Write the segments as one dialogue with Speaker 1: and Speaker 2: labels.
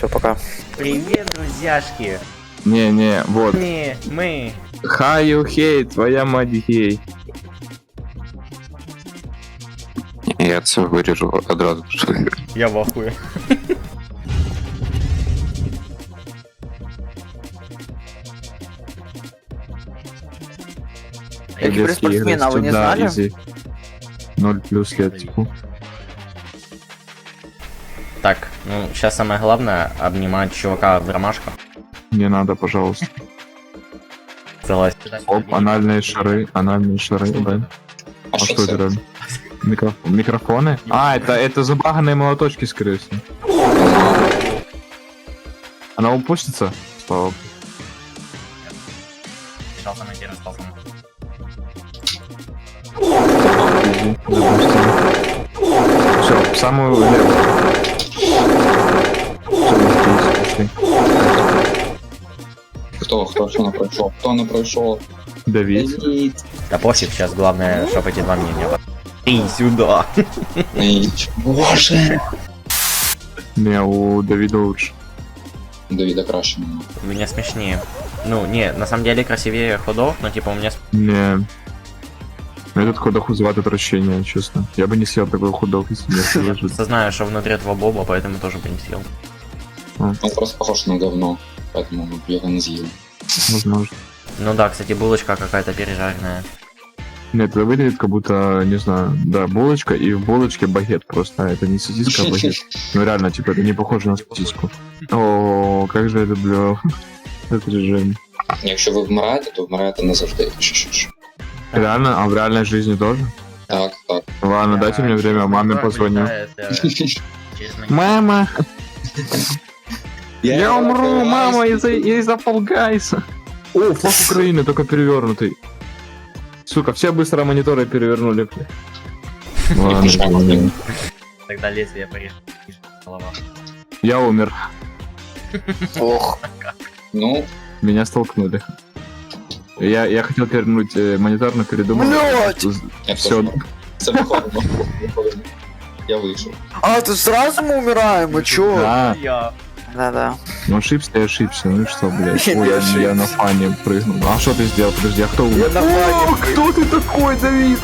Speaker 1: Все, пока.
Speaker 2: Привет, друзьяшки.
Speaker 3: Не, вот.
Speaker 2: Мы.
Speaker 3: Хаю хей, твоя мать гей.
Speaker 4: Я це виріжу одразу.
Speaker 2: Я в ахуе.
Speaker 1: Я киберспортсмен, а вы не знали?
Speaker 3: 0 плюс лет, типа.
Speaker 2: Так, ну сейчас самое главное обнимать чувака в ромашках.
Speaker 3: Не надо, пожалуйста.
Speaker 2: Согласен.
Speaker 3: Оп, анальные шары, да. А что это реально? Микрофоны? А, это забаганные молоточки, скорее всего. Она упустится? Слава богу.
Speaker 2: Сейчас самое первое спал сам.
Speaker 3: Все, самую левую. Все,
Speaker 4: Хто не пройшов? Хто не пройшов?
Speaker 3: Давид.
Speaker 2: Да пофиг, сейчас главное, чтобы эти два мнения. Ты сюда.
Speaker 4: Боже!
Speaker 3: Не, у Давида лучше.
Speaker 4: Давіда краще.
Speaker 2: У меня смешнее. Ну, не, на самом деле красивее ходов, но типа у меня...
Speaker 3: Не. Этот ходок вызывает отвращение, честно. Я бы не съел такой ходок, если не
Speaker 2: Я
Speaker 3: выжить.
Speaker 2: просто знаю, что внутри этого боба, поэтому тоже бы не съел.
Speaker 4: Он просто похож на говно, поэтому я его не з'їв.
Speaker 3: Возможно.
Speaker 2: Ну да, кстати, булочка какая-то пережаренная.
Speaker 3: Нет, это выглядит как будто, не знаю, да, булочка, и в булочке багет просто. Это не сосиска, а багет. Ну реально, типа, это не похоже на сосиску. О, как же я люблю этот режим.
Speaker 4: Якщо ви вмираєте, то вмираєте назавжди. Що.
Speaker 3: Реально? А в реальной жизни тоже?
Speaker 4: Так.
Speaker 3: Ладно, дайте мне время, маме позвоню. Мама! Я умру, мама, из-за Fall Guys. О, флаг Украины, только перевернутый. Сука, все быстро мониторы перевернули. Ладно,
Speaker 2: Тогда лезвие порежет. Голова.
Speaker 3: я умер.
Speaker 1: Ох.
Speaker 4: Ну,
Speaker 3: Меня столкнули. Я хотел перевернуть монитор, но передумал.
Speaker 1: Блядь!
Speaker 4: я
Speaker 3: Все.
Speaker 4: все. Це виходимо. Я вийшов.
Speaker 1: А, тут сразу мы умираем, мы чё?
Speaker 3: Да,
Speaker 2: Я.
Speaker 1: Да-да.
Speaker 3: ну ошибся, я ошибся. Ну и что, блядь?
Speaker 1: Я не
Speaker 3: Ой, я
Speaker 1: ошибся.
Speaker 3: на фане прыгнул. А что ты сделал? Подожди, а кто умер?
Speaker 1: Я на фане
Speaker 3: Кто ты такой, Давид?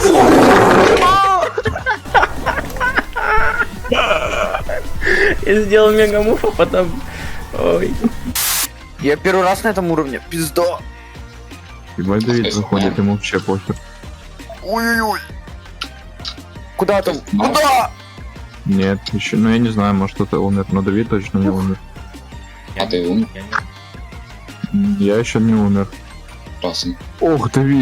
Speaker 2: Я сделал мегамув, а потом... Ой.
Speaker 1: Я первый раз на этом уровне. Пизда.
Speaker 3: Ебать, Давид заходит, ему вообще похер.
Speaker 1: Ой-ой-ой. Куда там?
Speaker 4: Ну.
Speaker 1: Куда?
Speaker 3: Нет, еще, ну я не знаю, может кто-то умер, но Давид точно не умер.
Speaker 4: А ти умер?
Speaker 2: Я не-
Speaker 3: Я еще не умер.
Speaker 4: Красен.
Speaker 3: Ох, Давид.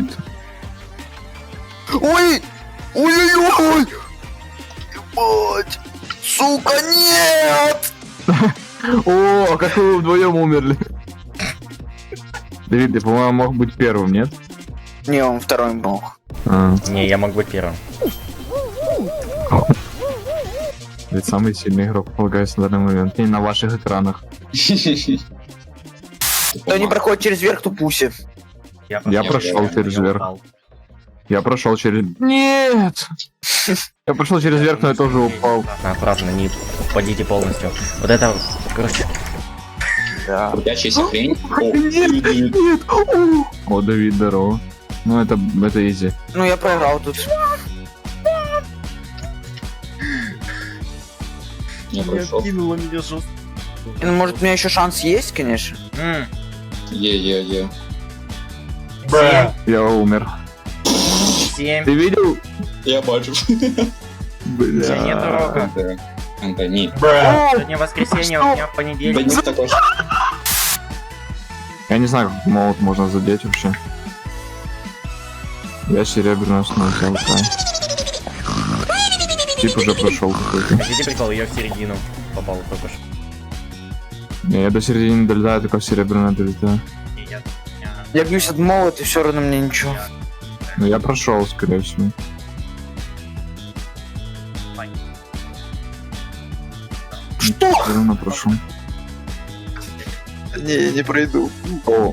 Speaker 1: Ой! Ой-ой-ой! Ебать! Сука, нет!
Speaker 3: О, а как вы вдвоем умерли? Давид, ты, по-моему, мог быть первым, нет?
Speaker 1: Не, он второй был.
Speaker 3: А,
Speaker 2: Не, я мог быть первым.
Speaker 3: ведь самый сильный игрок Fall Guys на данный момент. И на ваших экранах.
Speaker 1: Кто не проходит через верх, то пуси.
Speaker 3: Я прошел
Speaker 4: я
Speaker 3: через
Speaker 2: Я
Speaker 3: верх.
Speaker 2: упал.
Speaker 3: Я прошел через... Нет! Я прошел через верх, но я тоже упал.
Speaker 2: Аккуратно, не упадите полностью. Вот это, короче,
Speaker 1: Да.
Speaker 4: Крутячийся хрень. О,
Speaker 3: Нет, нет! О, Давид, здорово. Ну, это изи.
Speaker 1: Ну, я проиграл тут.
Speaker 4: я пройшов.
Speaker 2: кинула меня жестко.
Speaker 1: Ну, может, у меня еще шанс есть, конечно.
Speaker 4: Є.
Speaker 3: Я умер.
Speaker 2: 7.
Speaker 3: Ты видел?
Speaker 4: Я бачу.
Speaker 2: Сегодня
Speaker 3: Бля.
Speaker 2: дорога.
Speaker 4: Ні.
Speaker 2: Сегодня воскресенье, у меня
Speaker 4: Да
Speaker 2: понедельник.
Speaker 4: ні, також.
Speaker 3: Я не знаю, как молот можно задеть вообще. Я серебряную снова взял, да. Тип уже прошел какой-то.
Speaker 2: Хотите прикол? Я в середину попал только что.
Speaker 3: Не, я до середины не долетаю, только в серебряную долетаю.
Speaker 2: И я-
Speaker 1: Я бьюсь от молот, и все равно мне ничего.
Speaker 3: Но я прошел, скорее всего.
Speaker 1: Что?
Speaker 3: Все равно прошел.
Speaker 1: Не, я не пройду.
Speaker 3: О.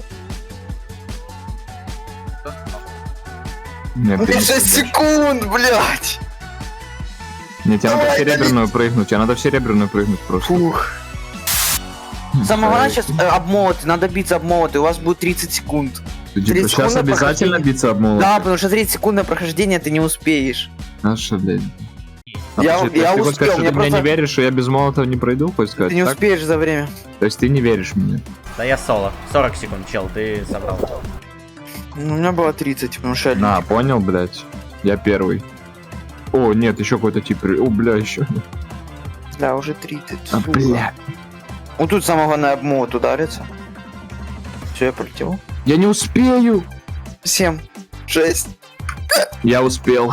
Speaker 3: Нет,
Speaker 1: Мне
Speaker 3: ты не
Speaker 1: 6
Speaker 3: пройдешь.
Speaker 1: секунд, блядь!
Speaker 3: Нет, тебе надо в
Speaker 1: Давай,
Speaker 3: серебряную прыгнуть, тебе надо в серебряную прыгнуть просто.
Speaker 1: Фух. Самое главное сейчас обмолоты, надо биться обмолоты, у вас будет 30 секунд.
Speaker 3: Ты, типа,
Speaker 1: 30
Speaker 3: сейчас
Speaker 1: секунд на
Speaker 3: обязательно
Speaker 1: прохождение.
Speaker 3: биться об молот?
Speaker 1: Да, потому что 30 секунд на прохождение ты не успеешь.
Speaker 3: А что, блядь?
Speaker 1: Я
Speaker 3: подожди, то есть
Speaker 1: успел,
Speaker 3: ты хочешь сказать, что
Speaker 1: мне
Speaker 3: ты мне не
Speaker 1: просто-
Speaker 3: веришь, что я без молота не пройду, хочешь сказать,
Speaker 1: Ты не
Speaker 3: так?
Speaker 1: успеешь за время.
Speaker 3: То есть ты не веришь мне?
Speaker 2: Да я соло. 40 секунд, чел, ты собрал.
Speaker 1: Ну, у меня было 30, потому что я...
Speaker 3: На, понял, блядь? Я первый. О, нет, еще какой-то тип. О, бля, еще.
Speaker 1: Да, уже 30.
Speaker 3: А,
Speaker 1: сука.
Speaker 3: бля.
Speaker 1: Вот тут самое главное обмолот ударится. Все, я полетел.
Speaker 3: Я не успею.
Speaker 1: 7, 6.
Speaker 3: Я успел.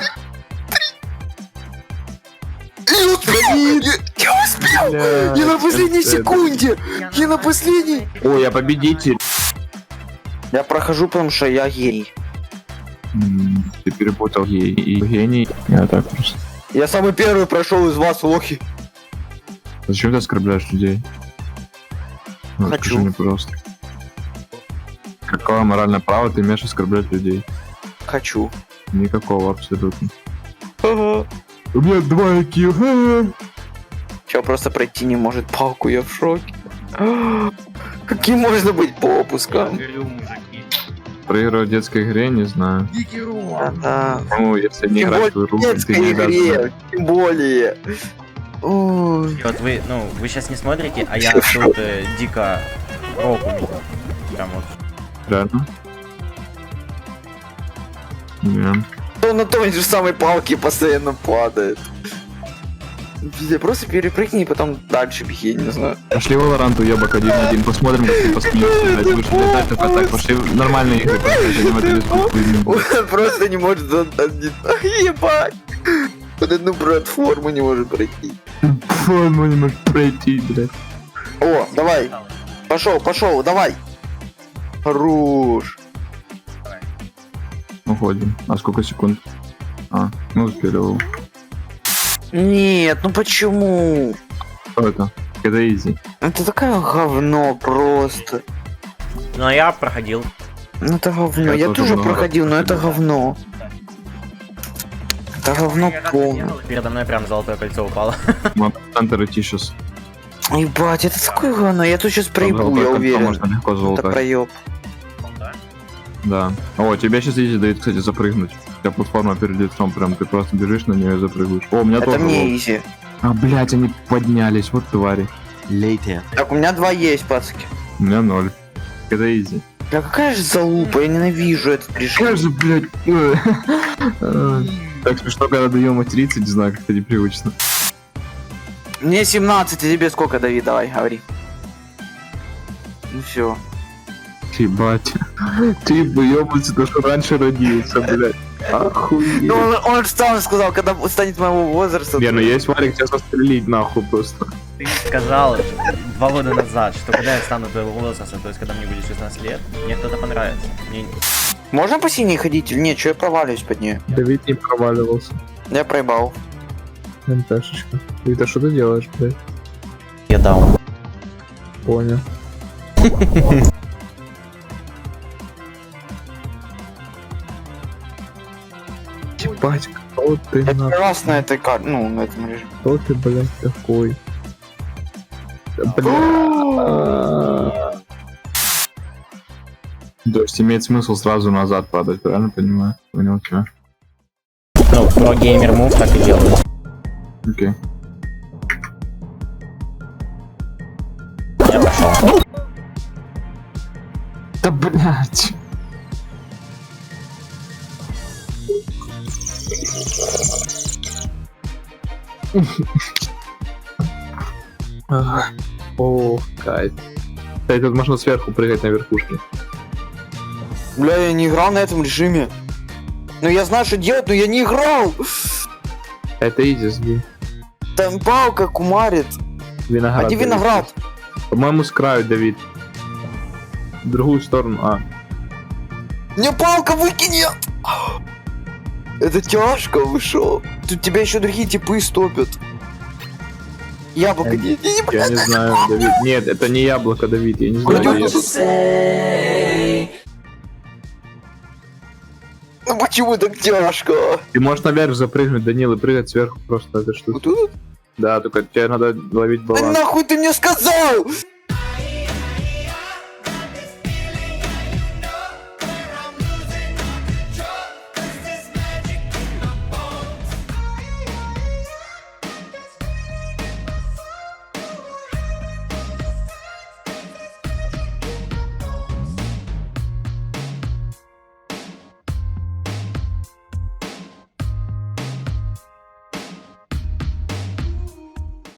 Speaker 1: Я успел!
Speaker 3: Бля,
Speaker 1: Я на последней
Speaker 3: это-
Speaker 1: секунде! Я на последней!
Speaker 3: О, я победитель.
Speaker 1: Я прохожу, потому что я гений.
Speaker 3: Ты перепутал и гений. Я так просто.
Speaker 1: Я самый первый прошел из вас, лохи.
Speaker 3: Зачем ты оскорбляешь людей? Ну,
Speaker 1: Хочу.
Speaker 3: скажи мне, пожалуйста. Какое моральное право ты имеешь оскорблять людей?
Speaker 1: Хочу.
Speaker 3: Никакого абсолютно.
Speaker 1: Ага.
Speaker 3: У меня 2 IQ.
Speaker 1: Чел просто пройти не может палку, я в шоке. Каким можно быть попуском?
Speaker 3: Проигрывать в детской игре, не знаю.
Speaker 1: Да.
Speaker 3: Ну, если не
Speaker 1: Тем
Speaker 3: играть в
Speaker 1: более
Speaker 3: игру,
Speaker 1: в
Speaker 3: ты
Speaker 1: детской
Speaker 3: не дашь.
Speaker 1: игре, тем более. Ой.
Speaker 2: И вот вы, ну, вы сейчас не смотрите, а я тут дико року. Прям вот.
Speaker 3: Реально? Не.
Speaker 1: Он на той же самой палке постоянно падает. Пиздец, просто перепрыгни и потом дальше беги, не знаю.
Speaker 3: Пошли Valorant, уебок 1-1, посмотрим, как ты посмеешься, блядь, будешь летать только так, пошли в нормальные игры, посмотрим, это без хуйни.
Speaker 1: Он просто не может ебать. Под одну платформу не может пройти.
Speaker 3: Форму не можешь пройти, блядь.
Speaker 1: О, давай. Пошел, давай. Хорош.
Speaker 3: Уходим. А сколько секунд? А, ну успели.
Speaker 1: Нет, ну почему?
Speaker 3: Что это? Это изи.
Speaker 1: Это такое говно просто.
Speaker 2: Ну а я проходил.
Speaker 1: Ну это говно.
Speaker 3: Я
Speaker 1: Я
Speaker 3: тоже
Speaker 1: тоже
Speaker 3: много
Speaker 1: проходил, но это говно. Это говно полное.
Speaker 2: Передо мной прям золотое кольцо упало.
Speaker 3: Мы центр идти сейчас.
Speaker 1: Ебать, это такое говно. Я тут сейчас проебу, я уверен.
Speaker 3: Можно легко
Speaker 1: Это
Speaker 3: золотать.
Speaker 1: проеб.
Speaker 3: Да. О, тебя сейчас изи дает, кстати, запрыгнуть. У тебя платформа перед лицом, прям ты просто бежишь на нее и запрыгиваешь. О, у меня
Speaker 1: Это
Speaker 3: тоже.
Speaker 1: мне
Speaker 3: лол.
Speaker 1: изи.
Speaker 3: А, блядь, они поднялись, вот твари.
Speaker 1: Так, у меня 2 есть, пацки.
Speaker 3: У меня 0. Это изи.
Speaker 1: Бля, какая же залупа, я ненавижу этот режим.
Speaker 3: Как же, блядь. Так смешно, когда даем материться, не знаю, как-то непривычно.
Speaker 1: Мне 17, а тебе сколько, Давид? Давай, говори. Ну все.
Speaker 3: Ебать. Ты бы ёбаться, то что раньше родился, блядь. Охуеть.
Speaker 1: Ну он же сам сказал, когда станет моего возраста.
Speaker 3: Не, ну есть Варик, тебя застрелить нахуй просто.
Speaker 2: Ты сказал 2 года назад, что когда я стану твоего возраста, то есть когда мне будет 16 лет, мне кто-то понравится. Мне...
Speaker 1: Можно по синей ходить или нет? Че я проваливаюсь под нее?
Speaker 3: Давид не проваливался.
Speaker 1: Я проебал.
Speaker 3: НТшечка. Давид, а что ты делаешь, блядь?
Speaker 2: Я дал.
Speaker 3: Понял. Ебать, кто ты,
Speaker 1: Я
Speaker 3: нахуй?
Speaker 1: первый раз на этой карте, ну, на этом режиме.
Speaker 3: Кто ты, блядь, такой? Бля. То есть имеет смысл сразу назад падать, правильно понимаю? Понял, чё?
Speaker 2: Ну, про геймер мув так и делаю.
Speaker 3: Окей.
Speaker 2: Я пошел.
Speaker 3: Да блядь. О, кайф. Кстати, тут можно сверху прыгать на верхушке.
Speaker 1: Бля, я не играл на этом режиме. Ну я знаю, что делать, но я не играл.
Speaker 3: Это изи, сги.
Speaker 1: Там палка кумарит.
Speaker 3: Виноград.
Speaker 1: А где
Speaker 3: Давид.
Speaker 1: виноград?
Speaker 3: По-моему, с краю, Давид. В другую сторону, а.
Speaker 1: Мне палка выкинет! Это тяжко, вы шо? Тут тебя еще другие типы стопят. Яблоко, не
Speaker 3: Я не знаю, Давид. Нет, это не яблоко, Давид, я не знаю.
Speaker 1: Пойдём.
Speaker 3: Я-
Speaker 1: Ну почему так тяжко?
Speaker 3: Ты можешь наверх запрыгнуть, Данил, и прыгать сверху просто этой штуки.
Speaker 1: Вот тут?
Speaker 3: Да, только тебе надо ловить
Speaker 1: Да
Speaker 3: баланс.
Speaker 1: нахуй ты мне сказал?